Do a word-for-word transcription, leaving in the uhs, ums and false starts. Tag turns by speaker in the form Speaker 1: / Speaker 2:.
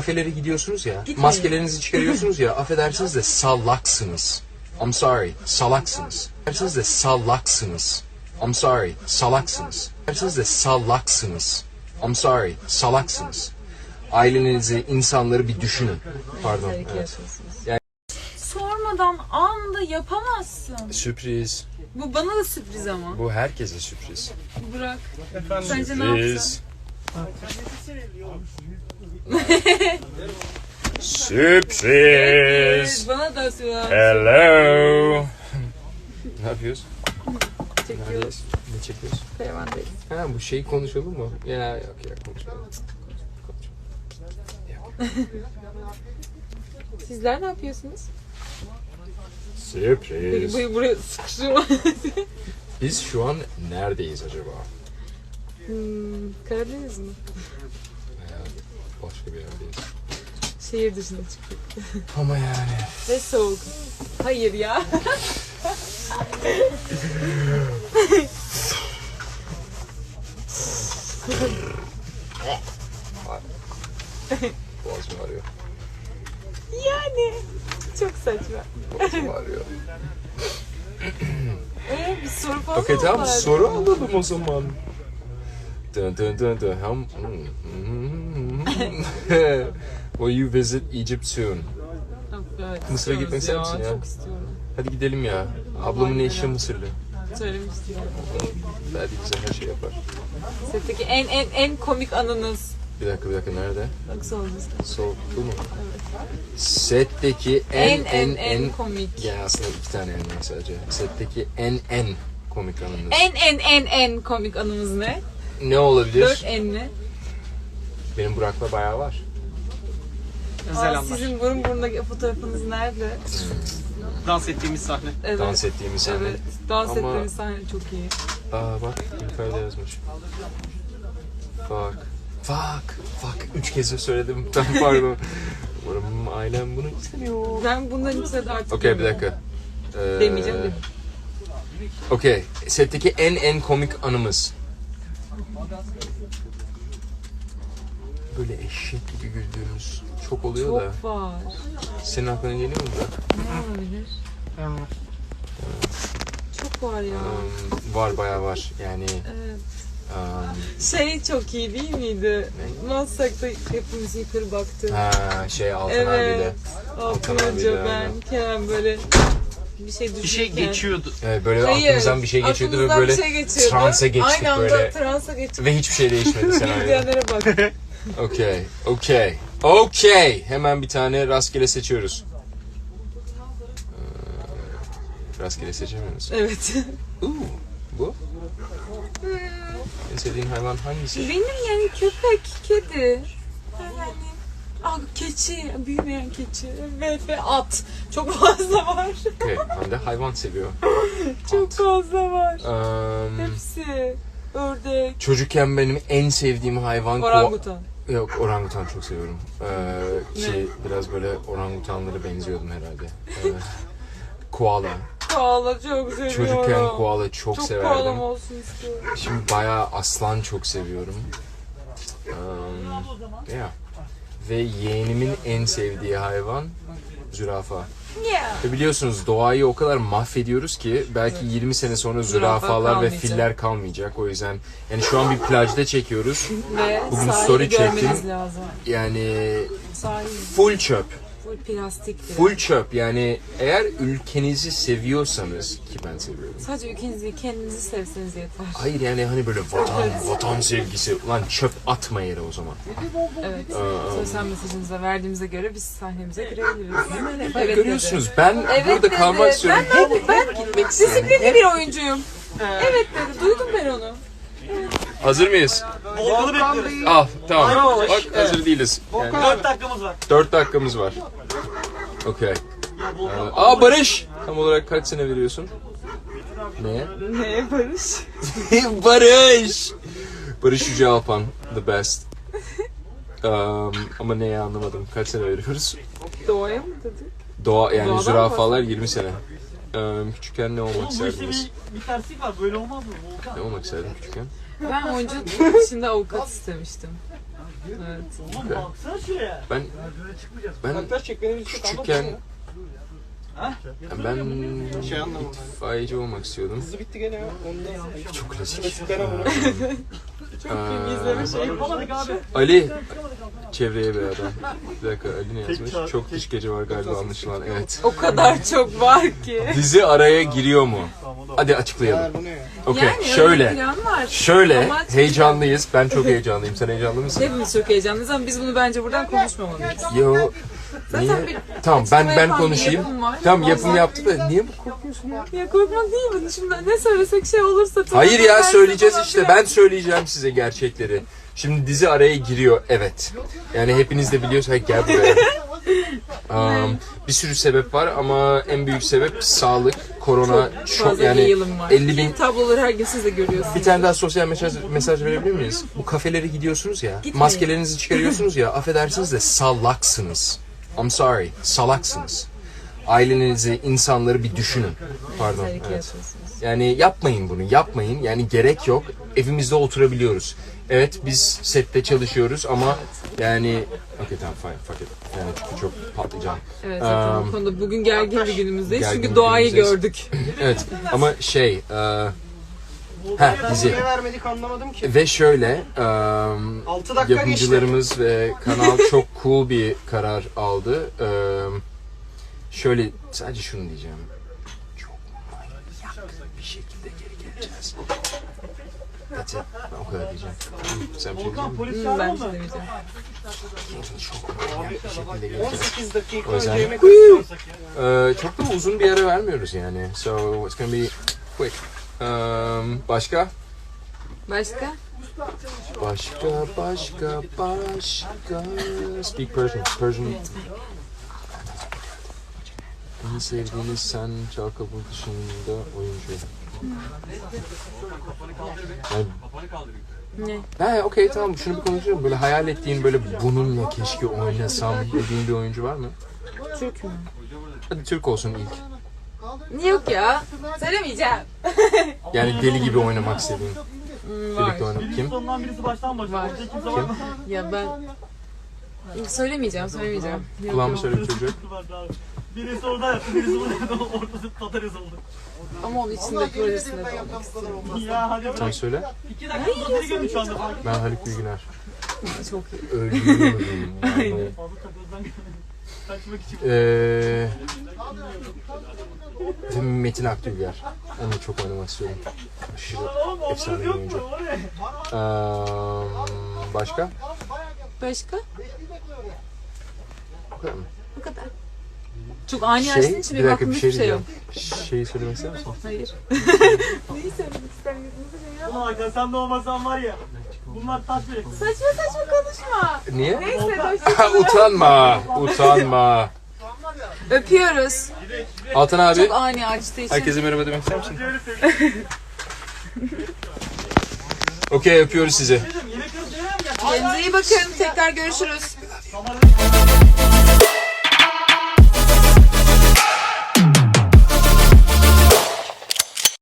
Speaker 1: kafelere gidiyorsunuz ya,
Speaker 2: Gitmeyin.
Speaker 1: maskelerinizi çıkarıyorsunuz ya, affedersiniz de salaksınız. I'm sorry, salaksınız. Affedersiniz de salaksınız. I'm sorry, salaksınız. Affedersiniz de salaksınız. I'm sorry, salaksınız. Ailenizi, insanları bir düşünün. Pardon. Evet. Yani...
Speaker 2: Sormadan anda yapamazsın.
Speaker 1: Sürpriz.
Speaker 2: Bu bana da sürpriz ama.
Speaker 1: Bu herkese sürpriz.
Speaker 2: Burak. Sence ne yapsın?
Speaker 1: Sürpriz.
Speaker 2: Evet, bana da sürpriz.
Speaker 1: Hello. Ne yapıyoruz?
Speaker 2: Çekiyoruz.
Speaker 1: Neredeyiz? Ne çekiyoruz?
Speaker 2: Karavandayız.
Speaker 1: Ha, bu şeyi konuşalım mı? Ya yok ya konuşalım.
Speaker 2: Sizler ne yapıyorsunuz?
Speaker 1: Sürpriz.
Speaker 2: Peki buraya sıkıştırma.
Speaker 1: Biz şu an neredeyiz acaba?
Speaker 2: hmm, Karadeniz mi?
Speaker 1: Veya başka bir yerdeyiz.
Speaker 2: Şehir dışına çıktık.
Speaker 1: Ama yani.
Speaker 2: Ve soğuk. Hayır ya.
Speaker 1: Boğazım ağrıyor.
Speaker 2: Yani. Çok saçma.
Speaker 1: Boğazım ağrıyor.
Speaker 2: Ee, bir soru falan
Speaker 1: Okey
Speaker 2: mı
Speaker 1: tamam
Speaker 2: vardı?
Speaker 1: soru alalım o zaman. Dun dun dun dun. Ham- Will you visit Egypt soon?
Speaker 2: Yok, evet,
Speaker 1: Mısır'a gitmek ister
Speaker 2: istiyoruz
Speaker 1: misin ya?
Speaker 2: Çok istiyorum.
Speaker 1: Hadi gidelim ya. Ablamın eşi Mısırlı.
Speaker 2: Söylemiştim.
Speaker 1: Belki bize her şey yapar.
Speaker 2: Setteki en en en komik anınız.
Speaker 1: Bir dakika bir dakika nerede?
Speaker 2: Bak sormuştum.
Speaker 1: Sol bu mu? Setteki
Speaker 2: En
Speaker 1: en
Speaker 2: en en komik.
Speaker 1: Ya aslında iki tane en var sadece. Setteki en en komik anınız.
Speaker 2: En en en en komik anımız ne?
Speaker 1: Ne olabilir?
Speaker 2: Dört enli.
Speaker 1: Benim Burak'la bayağı var.
Speaker 3: Özel
Speaker 2: Aa,
Speaker 3: anlar.
Speaker 2: sizin burun burundaki fotoğrafınız nerede?
Speaker 3: Dans ettiğimiz sahne.
Speaker 2: Evet.
Speaker 1: Dans ettiğimiz sahne.
Speaker 2: Evet. Dans
Speaker 1: Ama-
Speaker 2: ettiğimiz sahne çok iyi.
Speaker 1: Aa bak yukarıda yazmış. Fuck. Fuck. Fuck. Üç kez de söyledim. Ben pardon. Umarım ailem bunu istemiyor.
Speaker 2: Ben bundan içine de artık
Speaker 1: Okey bir dakika. Ee,
Speaker 2: demeyeceğim de.
Speaker 1: Okey. Setteki en en komik anımız. Böyle eşek gibi güldüğümüz çok oluyor da.
Speaker 2: Çok var.
Speaker 1: Senin aklına geliyor mu da?
Speaker 2: Ne olabilir? Çok var ya.
Speaker 1: Um, var bayağı var. Yani
Speaker 2: Evet.
Speaker 1: um,
Speaker 2: Şey çok iyi değil miydi? Maslak'ta hepimiz yukarı baktık.
Speaker 1: ha, şey Altan
Speaker 2: Evet.
Speaker 1: abiyle.
Speaker 2: Altın
Speaker 1: Altan
Speaker 2: Hoca,
Speaker 1: abiyle,
Speaker 2: ben,
Speaker 1: aynen.
Speaker 2: Kerem böyle bir şey düşünürken.
Speaker 3: Bir şey geçiyordu.
Speaker 1: Evet, böyle
Speaker 2: Hayır,
Speaker 1: aklımızdan bir şey geçiyordu ve
Speaker 2: aklımızdan
Speaker 1: böyle
Speaker 2: bir şey geçiyordu.
Speaker 1: transa geçtik
Speaker 2: Aynı anda
Speaker 1: böyle.
Speaker 2: transa geçtik.
Speaker 1: Ve hiçbir şey değişmedi senaryo.
Speaker 2: Izleyenlere bak.
Speaker 1: Okey, okey, okey. Hemen bir tane rastgele seçiyoruz. Ee, rastgele seçemiyoruz.
Speaker 2: Evet.
Speaker 1: Uuu, bu? En sevdiğin hayvan hangisi?
Speaker 2: Benim yani köpek, kedi. Yani ah, keçi, büyümeyen keçi ve, ve at. Çok fazla var.
Speaker 1: Okey, Hande hayvan seviyor.
Speaker 2: Çok fazla var.
Speaker 1: Um,
Speaker 2: Hepsi. Ördek,
Speaker 1: çocukken benim en sevdiğim hayvan... ko-
Speaker 2: orangutan.
Speaker 1: Yok, orangutan çok seviyorum. Ee, ki biraz böyle orangutanlara benziyordum herhalde. Ee, koala.
Speaker 2: Koala çok seviyorum.
Speaker 1: Çocukken koala çok,
Speaker 2: Çok
Speaker 1: severdim.
Speaker 2: koalam olsun istiyorum.
Speaker 1: Şimdi bayağı aslan çok seviyorum. Um, yeah. Ve yeğenimin en sevdiği hayvan zürafa.
Speaker 2: Yeah.
Speaker 1: Ve biliyorsunuz doğayı o kadar mahvediyoruz ki belki yirmi sene sonra
Speaker 2: Zürafa
Speaker 1: zürafalar ve
Speaker 2: kalmayacak.
Speaker 1: filler kalmayacak. O yüzden yani şu an bir plajda çekiyoruz.
Speaker 2: Ve
Speaker 1: Bugün
Speaker 2: sahili
Speaker 1: story
Speaker 2: görmeniz
Speaker 1: çektim.
Speaker 2: lazım.
Speaker 1: Yani
Speaker 2: Sahil
Speaker 1: full çöp.
Speaker 2: full plastik. bile.
Speaker 1: Full çöp. Yani eğer ülkenizi seviyorsanız ki ben seviyorum.
Speaker 2: Sadece ülkenizi kendinizi sevseniz yeter.
Speaker 1: Hayır yani hani böyle vatan, vatan sevgisi. Ulan çöp atma yere o zaman.
Speaker 2: Evet.
Speaker 1: Aa,
Speaker 2: Sosyal mesajınıza verdiğimize göre biz sahnemize girebiliriz.
Speaker 1: Bak,
Speaker 2: Evet
Speaker 1: görüyorsunuz
Speaker 2: dedi.
Speaker 1: ben
Speaker 2: Evet
Speaker 1: burada
Speaker 2: dedi.
Speaker 1: kalmak istiyorum.
Speaker 2: Ben, ben, ben
Speaker 1: Gitmek istiyorum.
Speaker 2: disiplinli bir oyuncuyum. Evet dedi. Duydum ben onu.
Speaker 1: Hazır mıyız?
Speaker 3: Volkan'ı bekliyoruz.
Speaker 1: Al tamam.
Speaker 3: Aynen.
Speaker 1: Bak hazır değiliz. Yani
Speaker 3: dört dakikamız var.
Speaker 1: dört dakikamız var. Okey. Ee, Aa Barış! Tam olarak kaç sene veriyorsun? Neye?
Speaker 2: Neye Barış?
Speaker 1: Barış! Barış Yüce Alpan. The best. Um, ama neye anlamadım. Kaç sene veriyoruz?
Speaker 2: Doğaya mı dedik?
Speaker 1: Doğa yani
Speaker 2: Doğadan
Speaker 1: zürafalar yirmi sene. Ee, küçükken ne olmak
Speaker 3: Oğlum bu işte
Speaker 1: isterdiniz?
Speaker 3: bir, bir terslik var. Böyle olmaz mı? Volkan.
Speaker 1: Ne olmak isterdin küçükken?
Speaker 2: Ben oyunculuk içinde avukat istemiştim. Evet.
Speaker 3: Oğlum baksana şuraya.
Speaker 1: Ben ben küçükken
Speaker 3: Ha?
Speaker 1: ben itfaiyeci olmak istiyordum.
Speaker 4: bitti gene ya. Ondan
Speaker 1: Çok klasik.
Speaker 2: İzleme
Speaker 1: Ee,
Speaker 2: şey.
Speaker 3: Yapamadık abi.
Speaker 1: Ali çevreye bir adam. Bir dakika Ali ne yazmış? Çok dış gece var galiba anlaşılan. Evet.
Speaker 2: O kadar çok var ki.
Speaker 1: Dizi araya giriyor mu? Hadi açıklayalım.
Speaker 4: bu ne ya?
Speaker 1: Okey.
Speaker 2: Yani öyle bir
Speaker 1: Şöyle.
Speaker 2: plan var.
Speaker 1: Şöyle
Speaker 2: Ama açıklayalım.
Speaker 1: heyecanlıyız. Ben çok heyecanlıyım. Sen heyecanlı mısın?
Speaker 2: Hepimiz çok heyecanlıyız ama biz bunu bence buradan konuşmamalıyız.
Speaker 1: Yo.
Speaker 2: Zaten
Speaker 1: Niye?
Speaker 2: bir
Speaker 1: Tamam ben ben
Speaker 2: yapan bir
Speaker 1: konuşayım.
Speaker 2: yapım var.
Speaker 1: Tamam yapım
Speaker 2: Ondan-
Speaker 1: yaptı da niye bu korkuyorsun ya?
Speaker 2: Ya korkmak değil mi? Şimdi ne söylesek şey olursa...
Speaker 1: Hayır ya
Speaker 2: tersi
Speaker 1: söyleyeceğiz
Speaker 2: falan
Speaker 1: işte.
Speaker 2: filan.
Speaker 1: Ben söyleyeceğim size gerçekleri. Şimdi dizi araya giriyor. Evet. Yani hepiniz de biliyorsunuz. Hayır, gel buraya. Um, bir sürü sebep var ama en büyük sebep sağlık, korona, çok,
Speaker 2: Fazla
Speaker 1: yani
Speaker 2: yayılım var.
Speaker 1: elli bin.
Speaker 2: Tabloları her gün siz de görüyorsunuz.
Speaker 1: Bir tane daha sosyal mesaj, mesaj verebilir miyiz? Bu kafelere gidiyorsunuz ya,
Speaker 2: Gitmeyin.
Speaker 1: maskelerinizi çıkarıyorsunuz ya, affedersiniz de salaksınız. I'm sorry, salaksınız. Ailenizi, insanları bir düşünün. Pardon.
Speaker 2: Tehlike
Speaker 1: Evet.
Speaker 2: yaşıyorsunuz.
Speaker 1: Yani yapmayın bunu, yapmayın. Yani gerek yok. Evimizde oturabiliyoruz. Evet biz sette çalışıyoruz ama yani... Okey tamam fine, fuck it. Yani çünkü çok patlayacağım.
Speaker 2: Evet zaten
Speaker 1: Um,
Speaker 2: bu konuda bugün gergin bir günümüzdeyiz
Speaker 1: gergin
Speaker 2: çünkü
Speaker 1: bir
Speaker 2: doğayı
Speaker 1: günümüzdeyiz.
Speaker 2: gördük.
Speaker 1: Evet ama şey... E, ha dizi.
Speaker 4: Niye vermedik anlamadım ki.
Speaker 1: Ve şöyle... Um,
Speaker 4: altı dakika geçti.
Speaker 1: yapımcılarımız ve kanal çok cool bir karar aldı. Ee, şöyle sadece şunu diyeceğim. Çok manyak bir şekilde geri geleceğiz. That's it. Ben o kadar diyeceğim. Sen bir şey
Speaker 3: Volkan
Speaker 1: diyecek
Speaker 3: polis
Speaker 2: Hmm, ben
Speaker 3: çağıralım
Speaker 2: bir şey
Speaker 3: mı?
Speaker 2: demeyeceğim.
Speaker 1: misin? Çok manyak bir şekilde geleceğiz.
Speaker 4: on sekiz dakika
Speaker 1: O yüzden-
Speaker 4: önce yemek
Speaker 1: Ee, çok da uzun bir ara vermiyoruz yani. So it's gonna be quick. Um, başka?
Speaker 2: Başka?
Speaker 1: Başka, başka, başka. Speak Persian. Persian. En sevdiğiniz sen çal kapı dışında oyuncu. Yani,
Speaker 2: Ne?
Speaker 1: ha okey tamam şunu bir konuşalım. Böyle hayal ettiğin böyle bununla keşke oynasam dediğin bir oyuncu var mı?
Speaker 2: Türk mü?
Speaker 1: Hadi Türk olsun ilk.
Speaker 2: Niye yok ya? Söylemeyeceğim.
Speaker 1: Yani deli gibi oynamak istediğin.
Speaker 2: Hmm, var.
Speaker 1: Birlikte oynamak. Kim?
Speaker 3: Sondan birisi baştan başlıyor.
Speaker 2: Var.
Speaker 3: Orada kimse var mı?
Speaker 2: Ya ben... Söylemeyeceğim, söylemeyeceğim. Yok,
Speaker 1: Kulağımı
Speaker 2: yok.
Speaker 1: söyle bir çocuk.
Speaker 3: Vardı abi. Birisi orada yaptı, birisi burada yaptı. Ortası Tatar yazıldı.
Speaker 2: Ama onun içinde projesinde de olmak istiyorum.
Speaker 3: Ya hadi
Speaker 1: Sen
Speaker 3: bırak.
Speaker 1: söyle.
Speaker 3: İki dakika uzatırı gördüm şu anda.
Speaker 1: Ben Haluk Bilginer.
Speaker 2: Çok iyi.
Speaker 1: Ölüyorum. Yani.
Speaker 3: Fazla takıldan kaçmak için.
Speaker 1: Ee, Metin Akdülger. Onu çok oynamak istiyorum. Aşırı
Speaker 3: Oğlum
Speaker 1: efsane bir
Speaker 3: onların yok
Speaker 1: oyuncu.
Speaker 3: mu? O ne?
Speaker 1: Ee, başka?
Speaker 2: Başka?
Speaker 1: Bu kadar mı?
Speaker 2: Bu kadar. Çok ani açtığın için
Speaker 1: bir
Speaker 2: benim
Speaker 1: dakika
Speaker 2: aklımda
Speaker 1: bir şey
Speaker 2: hiçbir şey yok.
Speaker 1: diyeceğim. Şeyi söylemek ister misin?
Speaker 2: Hayır. Neyi söylemek istemiyorsunuz ya?
Speaker 3: Ulan Hakan sen de olmasan var ya. Bunlar taş bile.
Speaker 2: Saçma saçma konuşma.
Speaker 1: Niye?
Speaker 2: Neyse
Speaker 1: Ha,
Speaker 2: hoşçakalın.
Speaker 1: utanma, utanma.
Speaker 2: Öpüyoruz.
Speaker 1: Altan abi,
Speaker 2: Çok ani açtığı için.
Speaker 1: herkese merhaba demek ister misin? Okey, öpüyoruz sizi.
Speaker 3: Yemek yiyoruz, yemeğe mi geldin?
Speaker 2: Kendinize iyi bakın. Tekrar görüşürüz.
Speaker 3: Tamam.